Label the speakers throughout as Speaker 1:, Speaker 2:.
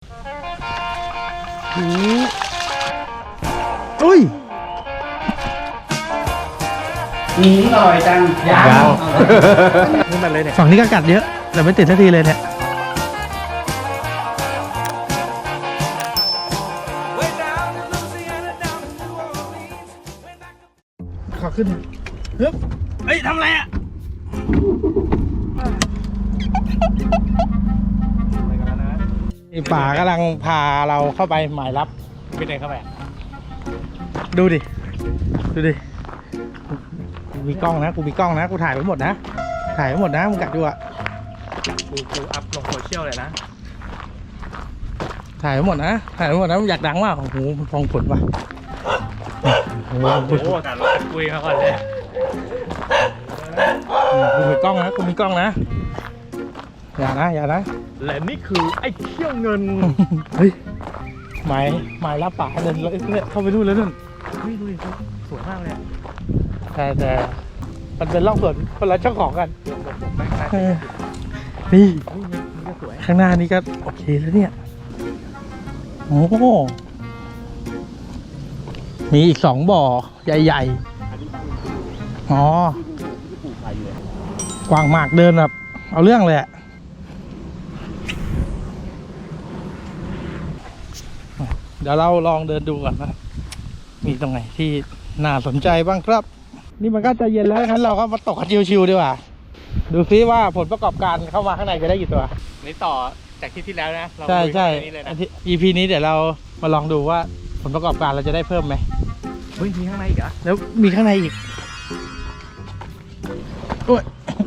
Speaker 1: อุ้ย
Speaker 2: อร่อยจังยาว
Speaker 1: นี่มันเลยเนี่ยฝั่งนี้ก็กัดเยอะแต่ไม่ติดสักทีเลยเนี่ยขอขึ้นเฮ้ยเฮ้ยทำอะไรอ่ะป่ากำลังพาเราเข้าไปหมายลับไปไหนเข้าไปดูดิกูมีกล้องนะกูถ่ายไว้หมดนะมึงกัดดูอ่ะกูอัพลงโซเชียลเลยนะถ่ายไว้หมดนะมึงอยากดังมากโอ้โหมันฟองผลว่ะโอ้โหกัดเราคุยมาก่อนเลยกูมีกล้องนะอย่านะและนี่คือไอ้เขี้ยวเงินเฮ้ยหมายรับป่าเดินเลยเข้าไปดูเลยนั่นดูดิสวยมากเลยแต่มันเป็นร่องสวนคนละเจ้าของกันนี่ข้างหน้านี่ก็โอเคแล้วเนี่ยโอ้มีอีก2 บ่อใหญ่ๆอ๋อกวางหมากเดินแบบเอาเรื่องเลยอะเดี๋ยวเราลองเดินดูก่อนนะมีตรงไหนที่น่าสนใจบ้างครับนี่มันก็จะเย็นแล้วงั้นเราก็มาตกกันชิวๆดีกว่าดูซิว่าผลประกอบการเข้ามาข้างในจะได้กี่ตัวนี่ต่อจากที่แล้วนะใช่EP นี้เดี๋ยวเรามาลองดูว่าผลประกอบการเราจะได้เพิ่มไหมเฮ้ยมีข้างในอีกเหรอแล้วมีข้างในอีกโอ้ย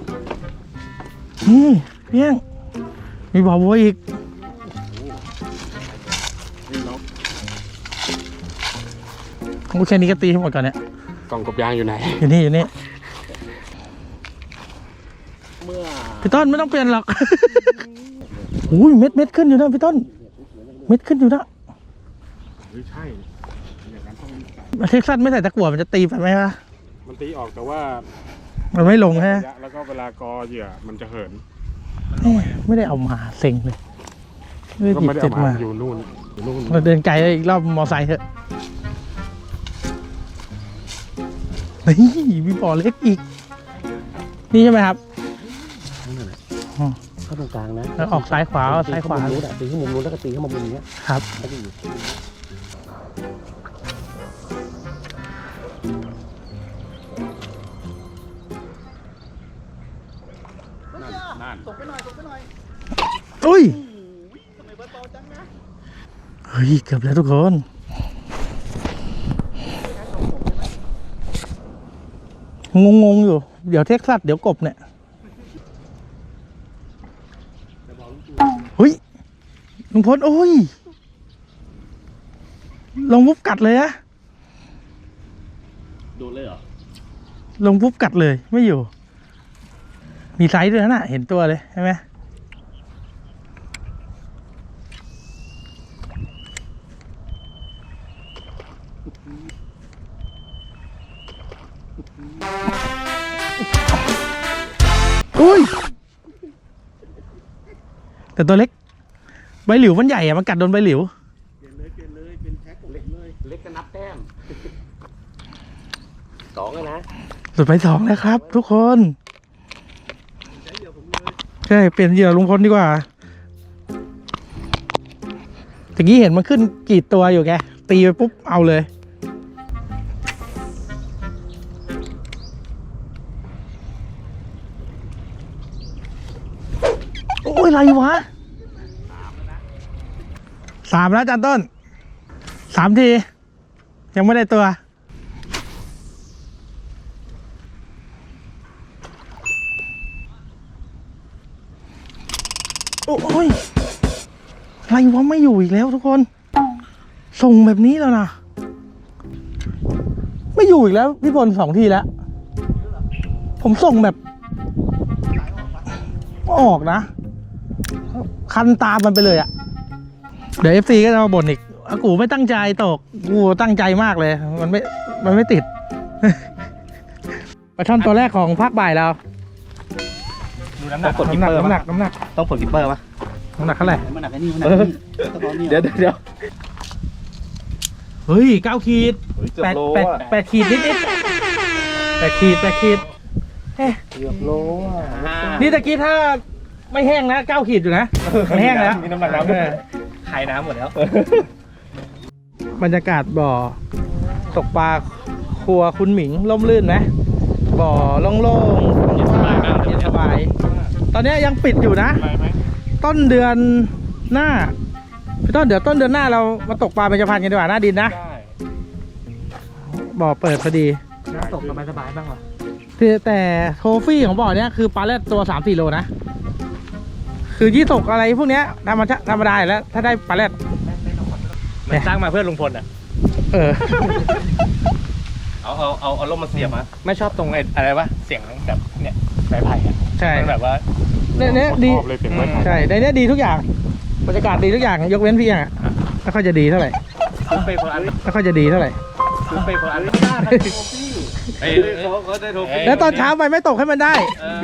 Speaker 1: เพียงมีบ่อบัวอีกกูแค่นี้ก็ตีให้หมดก่อนเนี่ย
Speaker 3: กล่องกบยางอยู่ไหน
Speaker 1: อยู่นี่พี่ต้นไม่ต้องเปลี่ยนหรอกอุ้ยเม็ดขึ้นอยู่นะพี่ต้นเม็ดขึ้นอยู่นะ
Speaker 3: ใช่อย่างนั้น
Speaker 1: ต้องเท็กซัสไม่ใส่ตะกั่วมันจะตีไปไหมวะ
Speaker 3: มันตีออกแต่ว่า
Speaker 1: มันไม่ลงฮะ
Speaker 3: แล้วก็เวลากอเหยื่อมันจะเหิน
Speaker 1: ไม่ได้เอามาเซ็งเลย
Speaker 3: ไม่ได้เอามาอยู่นู่น
Speaker 1: เราเดินไกลอีกรอบมอไซค์เถอะนี่มีบ่อเล็กอีกนี่ใช่ไหมครับ
Speaker 2: เข้าตรงกลางนะ
Speaker 1: ออกซ้ายขวาตีขึ้น
Speaker 2: มุมนู้นแล้วก็ตีขึ้นมามุมนี้
Speaker 1: ครับ
Speaker 2: ตกไปหน่อย
Speaker 1: อุ้ยทำไมเบอร์โตจังนะเฮ้ยเกือบแล้วทุกคนงงอยู่เดี๋ยวเท็กซัสเดี๋ยวกบเนี่ยเฮ้ยลุงพลโอ้ยลงปุ๊บกัดเลยอะ
Speaker 2: ดูเลยเหรอ
Speaker 1: ลงปุ๊บกัดเลยไม่อยู่มีไซส์ด้วยนะเห็นตัวเลยใช่ไหมอุ้ยแต่ตัวเล็กใบหลิวมันใหญ่อะมันกัดโดนใบหลิว
Speaker 2: เปลี่ยนเลยเป็นแพ็คเล็กเลยเล็กก็นับแต้ม2นะ
Speaker 1: สุดไป2แล้วครับทุกคนใช่เปลี่ยนเหยื่อลุงพลดีกว่าตะกี้เห็นมันขึ้นกี่ตัวอยู่แกตีไปปุ๊บเอาเลยโอ้ยอะไรวะ3แล้วจันต้น3 ทียังไม่ได้ตัวโอ้ยอะไรวะไม่อยู่อีกแล้วทุกคนส่งแบบนี้แล้วนะไม่อยู่อีกแล้วพี่พล2 ทีแล้วผมส่งแบบออกนะคันตามมันไปเลยอะเดี๋ยว FC ก็จะมาบ่นอีกกูไม่ตั้งใจตกกูตั้งใจมากเลยมันไม่ติดปลาช่อนตัวแรกของภาคบ่ายเราดูน้ำหนักต้องกดกิปเปอร์ปะน้ำหนักเท่าไหร่
Speaker 2: มันหนักไอ้นี่มันหนักกระเป๋าเนี่ย
Speaker 4: เดี๋ยว
Speaker 1: เฮ้ย9 ขีด8 ขีดนิด8 ขีด8 ขีดเอ๊ะ
Speaker 4: เกือบโลอ่ะ
Speaker 1: นี่ตะกี้ถ้าไม่แห้งนะ9 ขีดอยู่นะมันแห้งแล้ว
Speaker 4: มีน้ำหนักน้ำด้วย
Speaker 2: คายน้ำหมดแล้ว
Speaker 1: บรรยากาศบ่อตกปลาครัวคุณหมิงร่มรื่นไหมบ่อโล่งๆเย็นสบายมากเย็นสบาย ตอนนี้ยังปิดอยู่นะ ต้นเดือนหน้าพี่ต้นเดี๋ยวต้นเดือนหน้าเรามาตกปลาเป็นจะพันกันดีกว่าหน้าดินนะบ่อเปิดพอดี
Speaker 4: น้ำตกสบายๆบ้างเหรอ
Speaker 1: แต่โทฟี่ของบ่อเนี้ยคือปลาแรดตัว 3-4 โลนะ คือยี่ตกอะไรพวกเนี้ยธรรมดาอยู่แล้ว ถ้าได้ปลาแรด
Speaker 4: มันสร้างมาเพื่อลุงพลอ่ะ
Speaker 1: เออ
Speaker 4: เอาร่มมาเสียบอ่ะไม่ชอบตรงไอ้อะไรวะเสียงแบบเนี่ยไม้ไผ่อ่ะ
Speaker 1: ใช่
Speaker 4: มันแบบว่า
Speaker 1: เนี่ยดี
Speaker 3: ชอบเลยเสียงไม้ไผ่
Speaker 1: ใช่ในเนี้ยดีทุกอย่างบรรยากาศดีทุกอย่างยกเว้นพี่อ่ะไม่ค่อยจะดีเท่าไหร่
Speaker 4: ซื้อไปคนละอัน
Speaker 1: ไม่ค่อยจะดีเท่าไหร่
Speaker 4: ซื้อไปคนละอันเฮ้ยเขาได้โทร
Speaker 1: แล้วตอนเช้าไปไม่ตกให้มันได้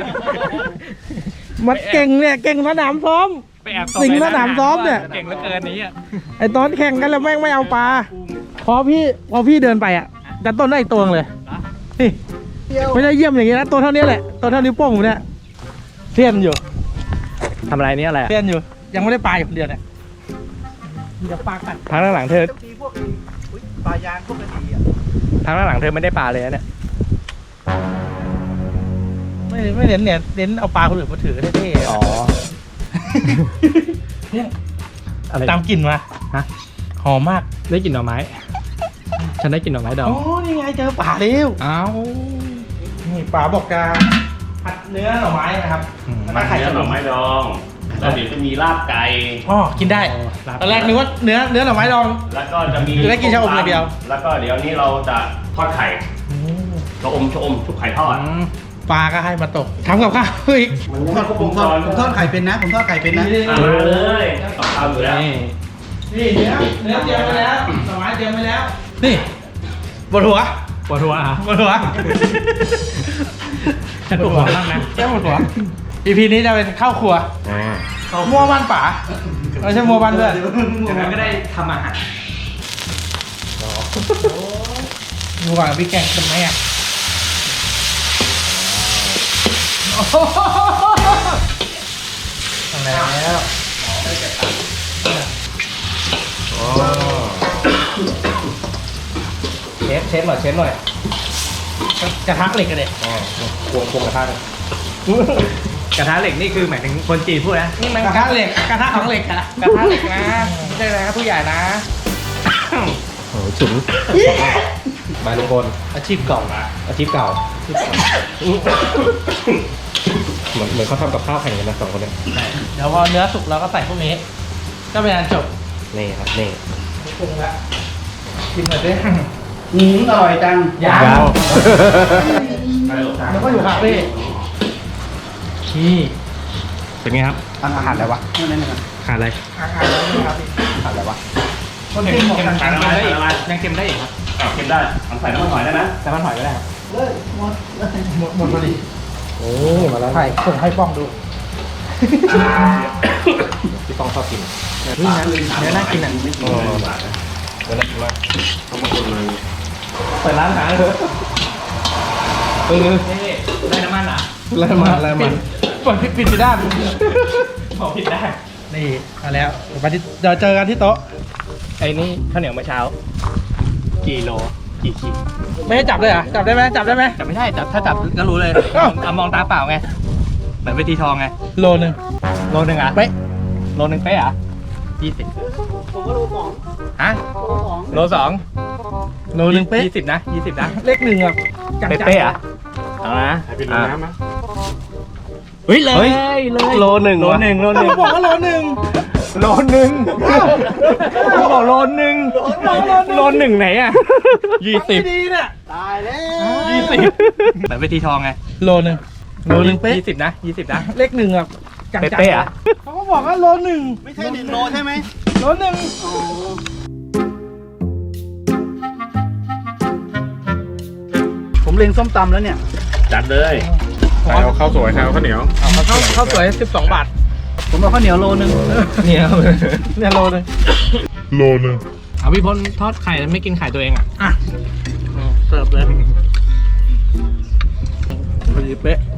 Speaker 1: มันเก่งเนี่ยเก่งสนามซ้อม
Speaker 4: ไปแอบ
Speaker 1: สิงห์สนามซ้อมเนี่ย
Speaker 4: เก่งเหลือเกินนี้อ่ะ
Speaker 1: ไอตอนแข่งกันแล้วแม่งไม่เอาปลาพอพี่เดินไปอ่ะดันต้นได้อีกตัวเลยนี่ไม่ได้เยี่ยมอย่างงี้นะตัวเท่านี้แหละตัวเท่านิ้วโป้งผมเนี่ยเทียนอยู่
Speaker 4: ทำอะไรนี่อะไร
Speaker 1: เทียนอยู่ ยังไม่ได้ปลาอยู่คนเดียวเนี่ยมีแต่ปลากัด
Speaker 4: พักหลังๆเธอ
Speaker 2: มีพวกปลายางพวกกระดีอ่ะ
Speaker 4: พักหลังๆเธอไม่ได้ปลาเลยนะเนี่ย
Speaker 1: ไม่เน้นเนี่ยเน้นเอาปลาคนอื่นมาถือเท่ๆ
Speaker 4: อ๋อ
Speaker 1: เนี่ย
Speaker 4: อะไร
Speaker 1: ตามกลิ่นมา
Speaker 4: ฮะ
Speaker 1: หอมมาก
Speaker 4: ได้กลิ่นหน่อไม้ ฉันได้กลิ่นหน่อไม้ดอง
Speaker 1: อ๋อนี่ไงเจอปลาเร็ว
Speaker 4: อ้าว
Speaker 1: นี่ปลาบอกจะผัดเนื้อหน่อไม้นะครับ
Speaker 4: อืม
Speaker 1: แล้วก็ไข่
Speaker 5: เนื้อ
Speaker 1: ข
Speaker 5: ห
Speaker 1: น
Speaker 5: น่อ
Speaker 1: ม
Speaker 5: ไม้ดอง แล้วเดี๋ยวจะมีลาบไก่
Speaker 1: อ๋อกินได้ตอนแรกนึกว่าเนื้อหน่อไม้ดอง
Speaker 5: แล้วก็จะมี
Speaker 1: จะได้กินชะอมอย่างเดียว
Speaker 5: แล้วก็เดี๋ยวนี้เราจะทอดไข่ชะอมชุบไข่ทอด
Speaker 1: ปลาก็ให้มาตกทำกับข้าวอีก
Speaker 2: ผมทอดไข่เป็นนะผมทอดไข่เป็นนะ
Speaker 5: มาเลยต่อข้าวอยู่แล้ว
Speaker 1: นี่เนื้อเตรียมไว้แล้วหน่อไม้เตรียมไว้แล้ว นี่บนหัว
Speaker 4: ปวดหัวอ่ะ
Speaker 1: บนหัว
Speaker 4: ฉันปวดหัวมากนะ
Speaker 1: แค่บนหัว EP นี้จะเป็นข้าวครัวมัวบ้านป่าไม่ใช่มัวบ้านเพื่อน
Speaker 4: จากนั้นก็ได้ทำอาหาร
Speaker 1: ดูก่อนพี่แกงเป็นไหมอ่ะทำแล้ว
Speaker 4: เชฟหน่อยเชฟหน่อย
Speaker 1: กระทะเหล็กกันเด็
Speaker 4: ควงกระทะเลยกระทะเหล็กนี่คือหมายถึงคนจีนพูดนะนี่มัน
Speaker 1: กระทะเหล็กกระทะของเหล็กอะ
Speaker 4: กระทะเหล็กนะไม่ใช่นะผู้ใหญ่นะโอ้ฉุนมาลุงพล
Speaker 1: อาชีพเก่า
Speaker 4: อาชีพเก่าเหมือนเขาทำกับข้าวแข่งกันนะสองคนเนี่ย
Speaker 1: เดี๋ยวพอเนื้อสุกเราก็ใส่พวกนี้ ก็เป็นอันจบ
Speaker 4: นี่ครับนี่
Speaker 1: ปรุงละกินหน่อยสิ
Speaker 2: อร่อยจัง
Speaker 1: ยัง
Speaker 5: ใช่หรอ
Speaker 1: แล้วก็อยู่คาเฟ่นี่
Speaker 4: เป็นไงครับ
Speaker 2: อาหารอะไรวะนั่น
Speaker 4: ขาดอะไร
Speaker 1: อาหารแล้วนะครับ
Speaker 2: ขาดอะไรวะ
Speaker 1: คนเค็มหมดกัน
Speaker 4: ยังได้อีกยังเค็มได้อีกครับ
Speaker 5: กินได้ทำใส่น้ำมันหอยได้นะ
Speaker 4: แต่มันหอยก็ได้ครับ
Speaker 1: หมดพอดี
Speaker 4: โอ้มาแล้ว
Speaker 1: ถ่ายส่งให้ป้องดู
Speaker 4: พี่ต้องชอบกินเนื้อน่ากินอ่ะ
Speaker 5: ไม่กินเลยบาทนะ
Speaker 4: เนื้อน่ากินมาก
Speaker 5: ต้องมาคนเลย
Speaker 4: เปิดร้านอาหารเถอะได้น้ำมันอ่ะ
Speaker 1: เริ่มมาปิดไปด้าน
Speaker 4: บอกผิดได้
Speaker 1: นี่มาแล้วเดี๋ยวเจอกันที่โต๊ะ
Speaker 4: ไอ้นี่ข้าวเหนียวเมื่อเช้ากี่โลกี่ขีด
Speaker 1: ไม่ให้จับเลยเหรอจับได้ไหมจับได้ไหม
Speaker 4: จับไม่ได้จับถ้าจับก็รู้เลย
Speaker 1: อ้าว
Speaker 4: มองตาเปล่าไงเหมือนเวทีทองไง
Speaker 1: โลนึง
Speaker 4: โลนึงอ่ะ
Speaker 1: เป๊ะ
Speaker 4: โลนึงเป๊ะอ่ะ20
Speaker 2: ผมก็รู้สอง
Speaker 4: ฮะ
Speaker 2: โลสอง
Speaker 4: โล2
Speaker 1: โลนึงเป๊ะ
Speaker 4: 20นะ20นะ
Speaker 1: เลขหนึ่งอ่ะจังๆ
Speaker 4: เป๊ะๆอ่ะเอานะ
Speaker 3: ให้เป็นน้ำนะ
Speaker 4: เฮ้ยเลยโลหนึ่ง
Speaker 1: เขาบอกว่าโลหนึ่ง
Speaker 4: โลหนึ่งเขาบอกโลหนึ่งโลหนึ่งไหนอ่ะ
Speaker 1: ไม่ดีเนี่ย
Speaker 2: ตายแล้ว
Speaker 4: 20เหมือนเวทีทองไง
Speaker 1: โลนึงเป๊ะ
Speaker 4: 20นะ20นะ
Speaker 1: เลขหนึ่งอ่ะจังๆ
Speaker 4: เป๊ะๆอ่ะ
Speaker 1: เขาก็บอกว่าโลหนึ่ง
Speaker 2: ไม่ใช่1 โลใช่ไหม
Speaker 1: โลหนึ่ง
Speaker 2: อ๋อผมเล็งส้มตำแล้วเนี่ย
Speaker 5: จัดเลย
Speaker 3: ใส่เอาข้าวสวยใส่เอาข้าวเหนียว
Speaker 1: ข้าวสวย12 บาท
Speaker 4: ผมเอาข้าวเหนียวโลนึงเนี่ย
Speaker 1: เนี่ยโลนึง
Speaker 4: เอาพี่พลทอดไข่แล้วไม่กินไข่ตัวเองอ่ะ
Speaker 1: อ่ะเสิร์ฟเลยพอดีเป๊ะ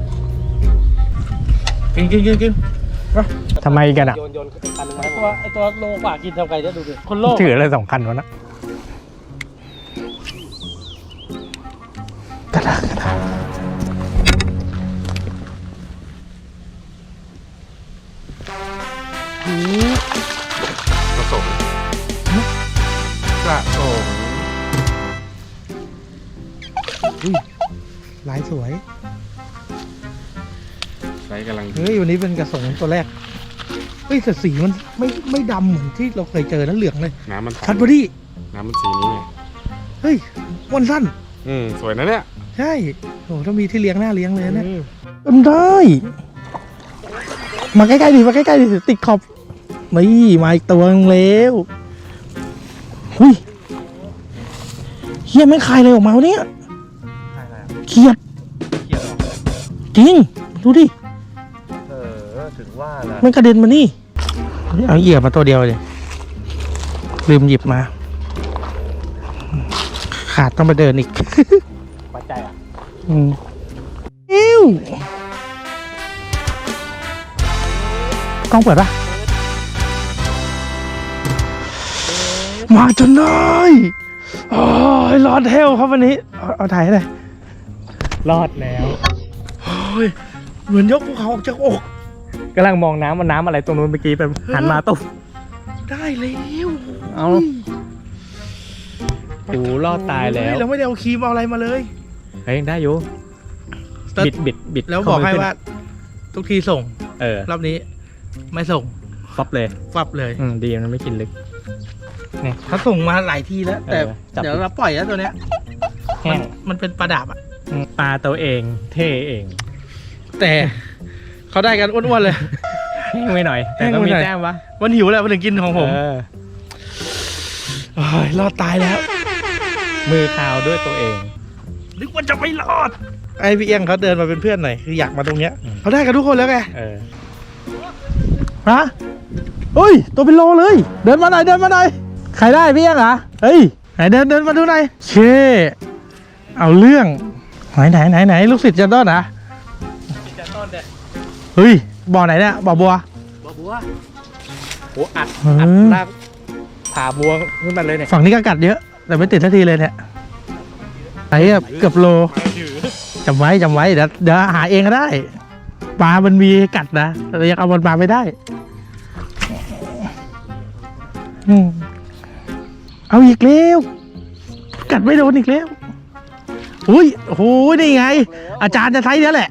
Speaker 1: กิน
Speaker 6: ทำไมกันอ่ะ
Speaker 4: โยนคันนึง
Speaker 1: ไอตัวโลกว่ากินทำไงจะดูดิคนโลก
Speaker 6: ถืออะไร2 คันวะนะกระดาษ
Speaker 3: ผสม
Speaker 1: กระโงลายสวย
Speaker 3: ใช้กำลัง
Speaker 1: เฮ้ยวันนี้เป็นกระสงตัวแรกเฮ้ยแต่สีมันไม่ดำเหมือนที่เราเคยเจอนะเหลืองเลย
Speaker 3: น้ำมัน
Speaker 1: ชัดพอดี
Speaker 3: น้ำมันสีนี้ไง
Speaker 1: เฮ้ยวันสั้น
Speaker 3: สวยนะเนี่ย
Speaker 1: ใช่โอ้ถ้ามีที่เลี้ยงหน้าเลี้ยงเลยนะมันได้ มาใกล้ๆดิมาใกล้ๆดิติดขอบนี่มาอีกตัวนึงแล้วหุยเฮียไม่คายเลยออกมาวะเนี่ยเขียดจริงดูดิ
Speaker 4: ถึงว่านะ
Speaker 1: มันกระเด็นมานี่เอาเหยียบมาตัวเดียวเลยลืมหยิบมา ขาดต้องมาเดินอีก
Speaker 4: ปัจจัยอ่ะ
Speaker 1: อิ้วกล้องเปิดปะมาจนได้โอ้ยรอดเทลครับวันนี้ เอาถ่ายให้หน่อย
Speaker 6: รอดแล้ว
Speaker 1: โอ้ยเหมือนยกภูเขาออกจากอก
Speaker 6: กำลังมองน้ำว่าน้ำอะไรตรงนู้นเมื่อกี้ไปหันมาตุ๊บ
Speaker 1: ได้แล้ว
Speaker 6: เอาโอ้รอดตายแล้ว
Speaker 1: เราไม่ได้เอาครีมเอาอะไรมาเลย
Speaker 6: เฮ้ยได้อยู่บิด
Speaker 1: แล้วบอกให้ว่า ทุกทีส่ง
Speaker 6: เออ
Speaker 1: รอบนี้ ไม่ส่ง
Speaker 6: ฟับเลย
Speaker 1: ฟับเลย
Speaker 6: ดีมันไม่กินลึก
Speaker 1: เขาส่งมาหลายทีแล้ว แต่
Speaker 6: จับ
Speaker 1: เดี๋ยวเราปล่อยแล้วตัวเนี้ย
Speaker 6: แห้ง
Speaker 1: มันเป็นปลาดาบอ่ะ
Speaker 6: ปลาตัวเองเท่เอง
Speaker 1: แต่เขาได้กันอ้วนๆเลย
Speaker 6: แห้งไปหน่อย แต่ก็มีแต้มวะ
Speaker 1: มันหิวแหละมันถึงกินของผม
Speaker 6: เออ
Speaker 1: โอ้ยรอดตายแล้ว
Speaker 6: มือคาวด้วยตัวเอง
Speaker 1: นึกว่าจะไม่รอด ไอพี่เอียงเขาเดินมาเป็นเพื่อนหน่อยคืออยากมาตรงเนี้ย
Speaker 6: อืม
Speaker 1: เขาได้กันทุกคนแล้วไง
Speaker 6: เออ
Speaker 1: ฮะเฮ้ยตัวเป็นโลเลย เดินมาหน่อยใครได้พี่เอียงเหรอเฮ้ยไหนเดินมาดูหน่อยเช่เอาเรื่องไหนลูกศิษย์จันต้นนะเฮ้ยบ่อไหนเนี่ยบ่อบัว
Speaker 4: บัวโอ้อัด
Speaker 1: เออ
Speaker 4: ลากผ่าบัวขึ้นมาเลยเนี่ย
Speaker 1: ฝั่งนี้ก็กัดเยอะ แต่ไม่ติดทันทีเลยเนี่ยไอ้เกือบโลจำไว้เดี๋ยวหาเองก็ได้ปลามันมีกัดนะแต่ยังเอามันมาไม่ได้เอาอีกแล้วกัดไม่โดนอีกแล้วอุ้ยโอ้โหนี่ไง อาจารย์จะใช้เนี้ยแหละ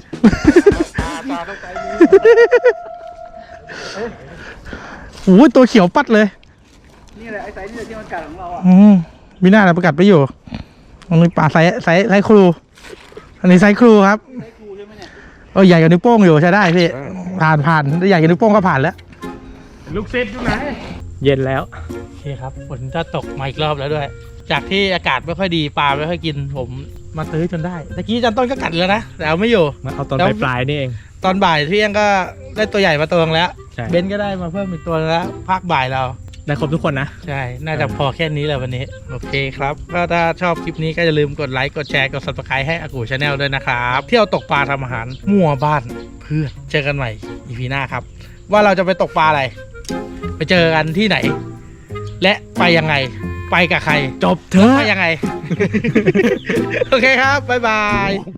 Speaker 1: โอ้ยตัวเขียวปัดเลย
Speaker 4: นี่แหละไอ้ไซส์นี่ที่มันกัดของเราอ่ะ
Speaker 1: มีหน้าอะไรประกาศไปอยู่อันนี้ปลาไซส์ครู อันนี้ไซส์ครูครับใหญ่กว่านิ้วโป้งอยู่ใช้ได้พี่ ผ่านใหญ่กว่านิ้วโป้งก็ผ่านแล้ว
Speaker 3: ลูกเซ็ตอยู่ไหน
Speaker 6: เย็นแล้ว
Speaker 1: โอเคครับฝนจะตกมาอีกรอบแล้วด้วย จากที่อากาศไม่ค่อยดีปลาไม่ค่อยกิน ผมมาซื้อจนได้ตะกี้จันต้นก็กัดแล้วนะแต่เอาไม่อยู่
Speaker 6: มาเอาตอน
Speaker 1: แล้ว
Speaker 6: ปลายๆนี่เอง
Speaker 1: ตอนบ่ายพี่เองก็ได้ตัวใหญ่มาตัวนึงแล้ว
Speaker 6: ใช่
Speaker 1: เบนก็ได้มาเพิ่มอีกตัวนึงแล้วภาคบ่ายเรา
Speaker 6: ได้ครบทุกคนนะ
Speaker 1: ใช่ น่าจะพอแค่นี้แหละวันนี้ โอเคครับ ก็ถ้าชอบคลิปนี้ก็อย่าลืมกดไลค์ กดแชร์ กด subscribe ให้อากูชาแนลด้วยนะครับ เที่ยวตกปลาทำอาหาร มั่วบ้านเพื่อนเจอกันใหม่ EP หน้าครับ ว่าเราจะไปตกปลาอะไร ไปเจอกันที่ไหน และไปยังไง ไปกับใคร
Speaker 6: จบเถอะ
Speaker 1: ไปยังไง โอเคครับ บ๊ายบาย